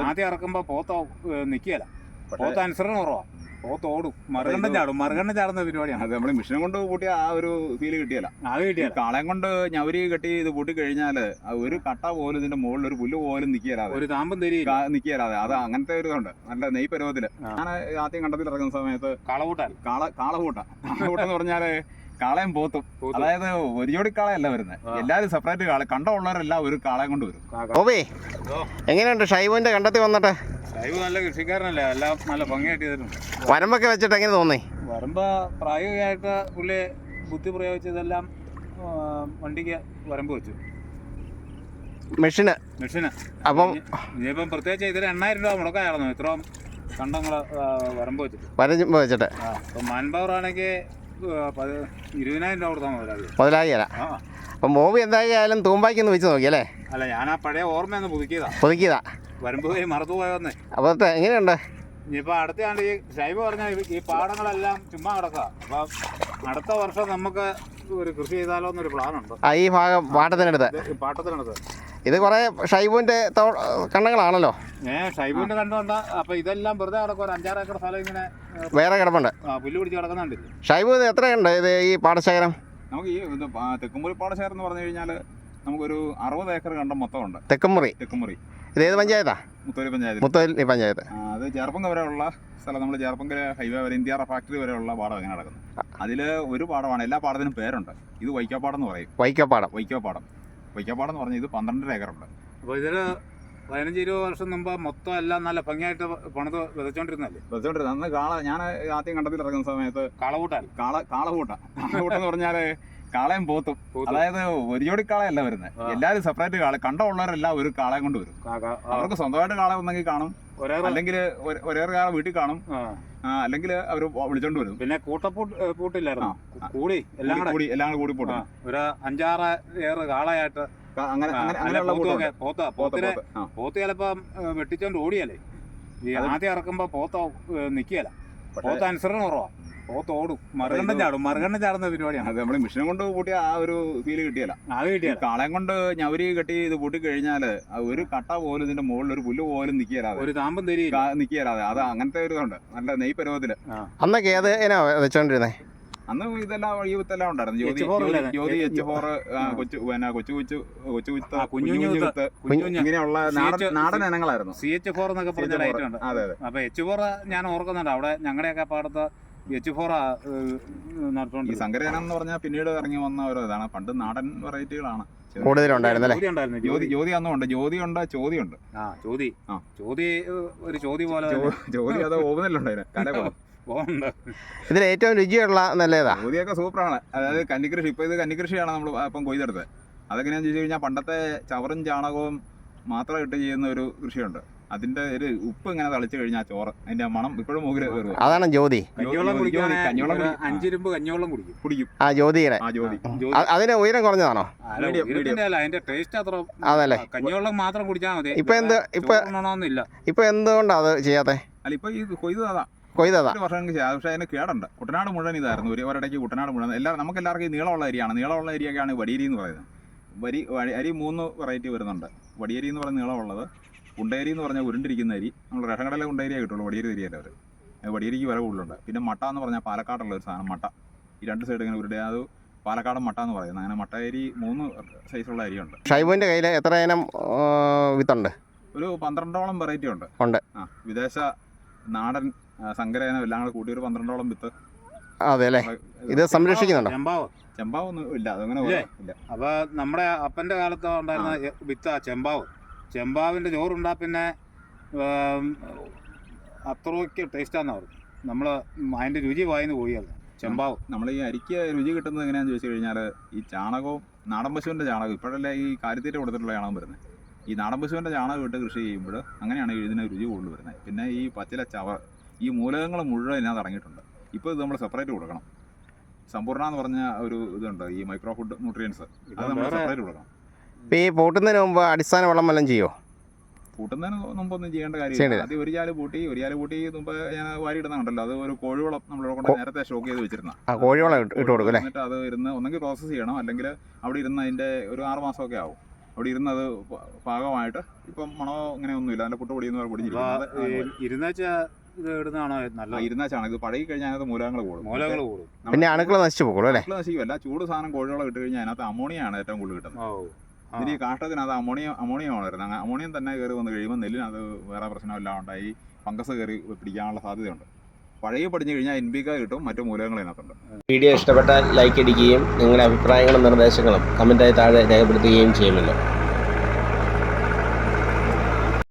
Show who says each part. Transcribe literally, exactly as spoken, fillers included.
Speaker 1: ആദ്യം ഇറക്കുമ്പോ പോത്ത നിക്കുകയല്ല, പോത്ത അനുസരണം കുറവാ, പോത്ത് ഓടും, മറുകണ്ഠം ചാടും. മറുകണ്ഠം ചാടുന്ന പരിപാടിയാണ്.
Speaker 2: അത് നമ്മൾ മിഷനെ കൊണ്ട് കൂട്ടിയ ആ ഒരു ഫീല് കിട്ടിയല്ല.
Speaker 1: അത് കിട്ടിയ
Speaker 2: കാളയം കൊണ്ട് ഞവരി കെട്ടി ഇത് കൂട്ടി കഴിഞ്ഞാല് ഒരു കട്ട പോലും ഇതിന്റെ മുകളിൽ ഒരു പുല്ല് പോലും നിക്കിയല്ലാതെ,
Speaker 1: ഒരു താമ്പും തരിക
Speaker 2: നിക്കിയല്ലാതെ. അത് അങ്ങനത്തെ ഒരു ഇതുണ്ട്, നല്ല നെയ് പരുവത്തില്. ഞാൻ ആദ്യം കണ്ടത്തിൽ ഇറങ്ങുന്ന സമയത്ത്
Speaker 1: കാളകൂട്ടാൻ
Speaker 2: കാള കാളകൂട്ട കാളകൂട്ടം എന്ന് പറഞ്ഞാല് കാളയും പോത്തും, അതായത് ഒരു ജോഡി കാളയല്ല വരുന്നത്, എല്ലാരും സെപ്പറേറ്റ് കാള. കണ്ടമുള്ളവരെല്ലാം ഒരു കാളയം കൊണ്ട് വരും.
Speaker 3: ഓബേ, എങ്ങനെയുണ്ട് ഷൈബുവിന്റെ കണ്ടത്തിൽ വന്നിട്ട്?
Speaker 1: ഷൈബ് നല്ല കൃഷിക്കാരനല്ലേ, എല്ലാം നല്ല ഭംഗിയായിട്ട് ചെയ്തിട്ടുണ്ട്.
Speaker 3: വരമ്പൊക്കെ വെച്ചിട്ട് എങ്ങനെ തോന്നി?
Speaker 1: വരമ്പ് പ്രായോഗികമായിട്ട് പുള്ളി ബുദ്ധി പ്രയോഗിച്ചതെല്ലാം വണ്ടിക്ക് വരമ്പ് വെച്ചു,
Speaker 3: മെഷീന്
Speaker 1: മെഷീന്.
Speaker 3: അപ്പം
Speaker 1: ഇനിയിപ്പം പ്രത്യേകിച്ച് ഇതിൽ എണ്ണായിരം രൂപ മുടക്കായിരുന്നു ഇത്രയും കണ്ടങ്ങള് വരമ്പ് വെച്ചിട്ട്
Speaker 3: വരമ്പ് വെച്ചിട്ട്.
Speaker 1: അപ്പം മാൻ പവർ ആണെങ്കിൽ ഇരുപതിനായിരം രൂപ കൊടുത്താൽ മുതലായി
Speaker 3: മുതലാകിയല്ല. അപ്പം ബോബി എന്തായാലും തൂമ്പായിക്കൊന്ന് വെച്ച് നോക്കിയല്ലേ?
Speaker 1: അല്ല, ഞാൻ ആ പഴയ ഓർമ്മയൊന്ന് പുതുക്കിയതാ
Speaker 3: പുതുക്കിയതാ
Speaker 1: വരമ്പ് പോയി മറന്നു പോയെന്നേ.
Speaker 3: അപ്പോൾ എങ്ങനെയുണ്ട്
Speaker 1: ഇനിയിപ്പോൾ അടുത്തയാണ്ട് ഈ ഷൈബ് പറഞ്ഞ ഈ പാടങ്ങളെല്ലാം ചുമ്മാ കിടക്കുക. അപ്പം അടുത്ത വർഷം നമുക്ക് ഒരു കൃഷി ചെയ്താലോ എന്നൊരു പ്ലാനുണ്ട്.
Speaker 3: ആ, ഈ ഭാഗം പാട്ടത്തിനടുത്ത്
Speaker 1: പാട്ടത്തിനടുത്ത്
Speaker 3: ഇത് കുറേ ഷൈബുവിൻ്റെ കണ്ണങ്ങളാണല്ലോ.
Speaker 1: ഏ ഷൈബുവിൻ്റെ കണ്ടുകൊണ്ട് അപ്പം ഇതെല്ലാം വെറുതെ കിടക്കും. ഒരു അഞ്ചാറ് ഏക്കർ സ്ഥലം ഇങ്ങനെ
Speaker 3: വേറെ കിടപ്പുണ്ട്,
Speaker 1: പുല്ല് പിടിച്ച് കിടക്കുന്നുണ്ട്.
Speaker 3: ഷൈബു ഇത് എത്രയുണ്ട് ഇത് ഈ പാടശേഖരം?
Speaker 2: നമുക്ക് ഈ തെക്കുമുറി പാടശേഖരം എന്ന് പറഞ്ഞു കഴിഞ്ഞാൽ നമുക്കൊരു അറുപത് ഏക്കർ കണ്ടം മൊത്തമുണ്ട്.
Speaker 3: തെക്കുമുറി
Speaker 2: തെക്കുമുറി
Speaker 3: ഇത് ഏത് പഞ്ചായത്താ?
Speaker 2: മുത്തോലി പഞ്ചായത്ത്.
Speaker 3: മുത്തോലി പഞ്ചായത്ത്.
Speaker 2: അത് ചേർപ്പങ്ക വരെയുള്ള സ്ഥലം, നമ്മൾ ചേർപ്പങ്കര ഹൈവേ വരെ ഇന്ത്യ ഫാക്ടറി വരെയുള്ള പാടം എങ്ങനെ നടക്കുന്നു. അതിൽ ഒരു പാടമാണ്, എല്ലാ പാടത്തിനും പേരുണ്ട്. ഇത് വൈക്കപ്പാടം എന്ന് പറയും.
Speaker 3: വൈക്കപ്പാടം
Speaker 2: വൈക്കപ്പാടം വൈക്കപ്പാടം എന്ന് പറഞ്ഞാൽ ഇത് പന്ത്രണ്ടര ഏക്കറുണ്ട്.
Speaker 1: അപ്പോൾ ഇതിൽ പതിനഞ്ച് ഇരുപത് വർഷം മുമ്പ് മൊത്തം എല്ലാം നല്ല ഭംഗിയായിട്ട് പണിത് വിതച്ചോണ്ടിരുന്നല്ലേ?
Speaker 2: വിതച്ചോണ്ടിരുന്നത് അന്ന് കാള. ഞാൻ ആദ്യം കണ്ടത്തിൽ ഇറങ്ങുന്ന സമയത്ത്
Speaker 1: കാളകൂട്ടാൻ
Speaker 2: കാള കാളകൂട്ട കാളകൂട്ടം എന്ന് പറഞ്ഞാല് കാളയും പോത്തും, അതായത് ഒരു ജോഡി കാളയല്ല വരുന്നത്, എല്ലാരും സെപ്പറേറ്റ് കാള. കണ്ടമുള്ളവരെല്ലാം ഒരു കാളയം കൊണ്ട് വരും. അവർക്ക് സ്വന്തമായിട്ട് കാള ഒന്നെങ്കിൽ കാണും, അല്ലെങ്കിൽ ഒരേ കാള വീട്ടിൽ കാണും, അല്ലെങ്കിൽ അവർ വിളിച്ചോണ്ട് വരും.
Speaker 1: പിന്നെ കൂട്ടപ്പൂട്ട് പൂട്ടില്ലായിരുന്നു, കൂടി എല്ലാം
Speaker 2: കൂടി എല്ലാം കൂടി പോട്ടും
Speaker 1: ഒരു അഞ്ചാറ് ഏറ് കാളയായിട്ട്
Speaker 2: അങ്ങനെ അങ്ങനെയുള്ള
Speaker 1: പോത്ത പോത്തിനെ പോത്ത് ചിലപ്പോ വെട്ടിച്ചോണ്ട് ഓടിയല്ലേ. ഈ ആദ്യം ഇറക്കുമ്പോ പോത്ത നിക്കുകയല്ല, പോത്ത അനുസരണം കുറവാ, പോത്ത് ഓടും, മറുകണ്ഠം ചാടും. മറുകണ്ഠം ചാടുന്ന പരിപാടിയാണ്.
Speaker 2: അത് നമ്മൾ മിഷനെ കൊണ്ട് കൂട്ടിയ ആ ഒരു ഫീല് കിട്ടിയല്ല.
Speaker 1: അത് കിട്ടിയ
Speaker 2: കാളയം കൊണ്ട് ഞവരി കെട്ടി ഇത് കൂട്ടി കഴിഞ്ഞാല് ഒരു കട്ട പോലും ഇതിന്റെ മുകളിൽ ഒരു പുല്ല് പോലും നിക്കിയല്ലാതെ,
Speaker 1: ഒരു താമ്പും തരിക
Speaker 2: നിക്കിയല്ലാതെ. അത് അങ്ങനത്തെ ഒരു ഇതുണ്ട്, നല്ല നെയ് പരുവത്തില്.
Speaker 3: അന്നൊക്കെ ഏത് എന്നാ വെച്ചോണ്ടിരുന്നേ?
Speaker 2: അന്ന് ഇതെല്ലാം ഈ വിത്തെല്ലാം ഉണ്ടായിരുന്നു. ജ്യോതി ജ്യോതി എച്ച് ഫോർ, കൊച്ചു പിന്നെ കൊച്ചു കൊച്ചു കൊച്ചു വിത്ത്, കുഞ്ഞു വിത്ത്, ഇങ്ങനെയുള്ള നാടൻ നാടൻ ഇനങ്ങളായിരുന്നു.
Speaker 1: സി എച്ച് ഫോർ എന്നൊക്കെ പറഞ്ഞ ലൈറ്റ് ഉണ്ട്.
Speaker 2: അതെ അതെ.
Speaker 1: അപ്പൊ എച്ച് ഫോർ ഞാൻ ഓർക്കുന്നുണ്ട്, അവിടെ ഞങ്ങളുടെയൊക്കെ പാടത്ത് എച്ച് ഫോർ നടത്തുകൊണ്ട്.
Speaker 2: ഈ സങ്കരജനം എന്ന് പറഞ്ഞാൽ പിന്നീട് ഇറങ്ങി വന്ന ഒരു ഇതാണ്. പണ്ട് നാടൻ വെറൈറ്റികളാണ്
Speaker 3: കൂടുതലുണ്ടായിരുന്നല്ലേ?
Speaker 2: ജ്യോതി ജ്യോതി അന്നുണ്ട്, ജ്യോതി ഉണ്ട്, ചോതി ഉണ്ട്.
Speaker 1: ആ ചോതി ആ ചോതി ഒരു ചോതി പോലെ
Speaker 2: ജ്യോതി അത് ഓവുന്നല്ലുണ്ട് കല പോലെ.
Speaker 3: ഇതിൽ ഏറ്റവും രുചിയുള്ള നല്ലതാ
Speaker 2: ജ്യോതിയൊക്കെ സൂപ്പറാണ്. അതായത് കന്നിക്കൃഷി, ഇപ്പൊ ഇത് കന്നിക്കൃഷിയാണ് നമ്മൾ ഇപ്പം കൊയ്തെടുത്തത്. അതെങ്ങനെയാന്ന് ചോദിച്ചു കഴിഞ്ഞാൽ പണ്ടത്തെ ചവറും ചാണകവും മാത്രം ഇട്ട് ചെയ്യുന്ന ഒരു കൃഷിയുണ്ട്. അതിന്റെ ഒരു ഉപ്പ് ഇങ്ങനെ തളിച്ചു കഴിഞ്ഞാൽ ചോറ്, അതിന്റെ മണം ഇപ്പോഴും മുകളിൽ കയറുക.
Speaker 3: അതാണ് ജ്യോതി.
Speaker 1: കഞ്ഞിവെള്ളം കുടിക്കും, അഞ്ചിരുമ്പ് കഞ്ഞിവെള്ളം കുടിക്കും കുടിക്കും
Speaker 3: ആ ജ്യോതിയുടെ.
Speaker 2: ആ ജ്യോതി
Speaker 3: അതിന്റെ ഉയരം കുറഞ്ഞതാണോ?
Speaker 1: അതിന്റെ ടേസ്റ്റ് അത്ര
Speaker 3: അതല്ലേ,
Speaker 1: കഞ്ഞിവെള്ളം മാത്രം കുടിച്ചാൽ മതി.
Speaker 3: ഇപ്പൊ എന്ത് ഇപ്പൊ ഇപ്പൊ എന്തുകൊണ്ടാ അത് ചെയ്യാത്തെ?
Speaker 2: അല്ല, ഇപ്പൊ ഈ കൊയ്തതാ
Speaker 3: കൊയ്തതാ
Speaker 2: വർഷം ചെയ്യാം. പക്ഷേ അതിന് കേടുണ്ട്. കുട്ടനാട് മുഴുവൻ ഇതായിരുന്നു. ഒരു ഒരിടയ്ക്ക് കുട്ടനാട് മുഴുവൻ എല്ലാവരും നമുക്ക് എല്ലാവർക്കും ഈ നീളമുള്ള അരിയാണ്. നീളമുള്ള അരിയൊക്കെയാണ് വടിയരി എന്ന് പറയുന്നത്. വരി അരി മൂന്ന് വെറൈറ്റി വരുന്നുണ്ട്. വടിയരി എന്ന് പറയുന്ന നീളമുള്ളത്, ഉണ്ടേരി എന്ന് പറഞ്ഞാൽ ഉരുണ്ടിരിക്കുന്ന അരി. നമ്മൾ റേഷൻ കടയിലെ ഉണ്ടേരിയേ കിട്ടുള്ളൂ, വടിയരി അരിയല്ല അവർ. വടിയരിക്ക് വില കൂടുതലുണ്ട്. പിന്നെ മട്ട എന്ന് പറഞ്ഞാൽ പാലക്കാടുള്ള ഒരു സാധനം മട്ട. ഈ രണ്ട് സൈഡ് ഇങ്ങനെ ഉരുടെ, അത് പാലക്കാടൻ മട്ട എന്ന് പറയുന്നത്. അങ്ങനെ മട്ട അരി മൂന്ന് സൈസുള്ള അരിയുണ്ട്.
Speaker 3: ഷൈബുവിന്റെ കയ്യിൽ എത്ര ഇനം വിത്തുണ്ട്?
Speaker 2: ഒരു പന്ത്രണ്ടോളം വെറൈറ്റി ഉണ്ട്.
Speaker 3: ഉണ്ട്.
Speaker 2: ആ, വിദേശ, നാടൻ, സങ്കരയനം എല്ലാം കൂടെ കൂട്ടി ഒരു പന്ത്രണ്ടോളം വിത്ത്.
Speaker 3: അതെ അല്ലേ, ഇത് സംരക്ഷിക്കുന്നുണ്ടോ?
Speaker 1: ചെമ്പാവ്
Speaker 2: ചെമ്പാവൊന്നും ഇല്ല, അതങ്ങനെ ഇല്ല.
Speaker 1: അപ്പൊ നമ്മുടെ അപ്പന്റെ കാലത്ത് ഉണ്ടായിരുന്ന വിത്ത ചെമ്പാവ്. ചെമ്പാവിന്റെ ചോറുണ്ടാ പിന്നെ അത്രയ്ക്ക് ടേസ്റ്റാന്ന് പറഞ്ഞു. നമ്മള് അതിന്റെ രുചി വായിന്ന് പോയല്ല ചെമ്പാവ്.
Speaker 2: നമ്മൾ ഈ അരിക്ക് രുചി കിട്ടുന്നത് എങ്ങനെയാണെന്ന് ചോദിച്ചു കഴിഞ്ഞാൽ ഈ ചാണകവും, നാടൻ പശുവിൻ്റെ ചാണകം. ഇപ്പോഴല്ലേ ഈ കാലിത്തീറ്റ കൊടുത്തിട്ടുള്ള ചാണകം വരുന്നത്. ഈ നാടൻ പശുവിൻ്റെ ചാണകം ഇട്ട് കൃഷി ചെയ്യുമ്പോൾ അങ്ങനെയാണ് ഇതിന് രുചി കൂടുതൽ വരുന്നത്. പിന്നെ ഈ പച്ചില ചവർ, ഈ മൂലകങ്ങൾ മുഴുവൻ ഇതിനകത്ത് ഇറങ്ങിയിട്ടുണ്ട്. ഇപ്പോൾ ഇത് നമ്മൾ സെപ്പറേറ്റ് കൊടുക്കണം. സമ്പൂർണ്ണ എന്ന് പറഞ്ഞ ഒരു ഇതുണ്ട്, ഈ മൈക്രോ ഫുഡ് ന്യൂട്രിയൻസ്, അത് നമ്മൾ സെപ്പറേറ്റ് കൊടുക്കണം.
Speaker 3: ഇപ്പോൾ ഈ പൂട്ടുന്നതിന് മുമ്പ് അടിസ്ഥാന വളം വല്ലതും ചെയ്യുമോ?
Speaker 2: പൂട്ടുന്നതിന് മുമ്പൊന്നും ചെയ്യേണ്ട കാര്യമില്ല. അത് ഒരു ചാല് പൂട്ടി ഒരു ചാല് പൂട്ടി മുമ്പ് ഞാൻ വാരി ഇടുന്നുണ്ടല്ലോ, അത് ഒരു കോഴിവളം നമ്മളിവിടെ കൊണ്ട് നേരത്തെ സ്റ്റോക്ക് ചെയ്ത് വെച്ചിരുന്ന
Speaker 3: കോഴിവളം ഇട്ട് കൊടുക്കും.
Speaker 2: എന്നിട്ട് അത് ഇരുന്ന് ഒന്നെങ്കിൽ പ്രോസസ്സ് ചെയ്യണം, അല്ലെങ്കിൽ അവിടെ ഇരുന്ന് അതിൻ്റെ ഒരു ആറ് മാസമൊക്കെ ആവും. അവിടെ ഇരുന്നത് പാകമായിട്ട് ഇപ്പം മണമോ അങ്ങനെ ഒന്നുമില്ല. അതിൻ്റെ പുട്ട് പൊടിയെന്ന് പൊടിഞ്ഞിരിക്കുന്നത്
Speaker 1: ഇരുന്നാച്ച ഇത് ഇടുന്നതാണോ നല്ലത്?
Speaker 2: ഇരുന്നാച്ചാണ്. ഇത് പഴകി കഴിഞ്ഞാൽ അതിനകത്ത് മൂലകങ്ങൾ കൂടും.
Speaker 1: മൂലകൾ കൂടും.
Speaker 3: പിന്നെ അണുക്കൾ നശിച്ചു പോകും അല്ലേ?
Speaker 2: അണുക്കൾ നശിക്കുമല്ല. ചൂട് സാധനം കോഴികളെ ഇട്ട് കഴിഞ്ഞാൽ അതിനകത്ത് അമോണിയാണ് ഏറ്റവും കൂടുതൽ കിട്ടുന്നത്. ഇതിന് ഈ കാഷ്ടത്തിനകത്ത് അമോണിയം അമോണിയമാണ് വരുന്നത്. അങ്ങനെ അമോണിയം തന്നെ കയറി വന്ന് കഴിയുമ്പോൾ നെല്ലിനകത്ത് വേറെ പ്രശ്നമെല്ലാം ഉണ്ടായി ഫംഗസ് കയറി പിടിക്കാനുള്ള സാധ്യതയുണ്ട്. പഴകി പഠിച്ചു കഴിഞ്ഞാൽ എൻ പി കെ കിട്ടും, മറ്റു മൂലകങ്ങൾ ഇതിനകത്തുണ്ട്.
Speaker 3: വീഡിയോ ഇഷ്ടപ്പെട്ടാൽ ലൈക്ക് അടിക്കുകയും നിങ്ങളുടെ അഭിപ്രായങ്ങളും നിർദ്ദേശങ്ങളും കമൻറ്റായി താഴെ രേഖപ്പെടുത്തുകയും ചെയ്യുമല്ലോ.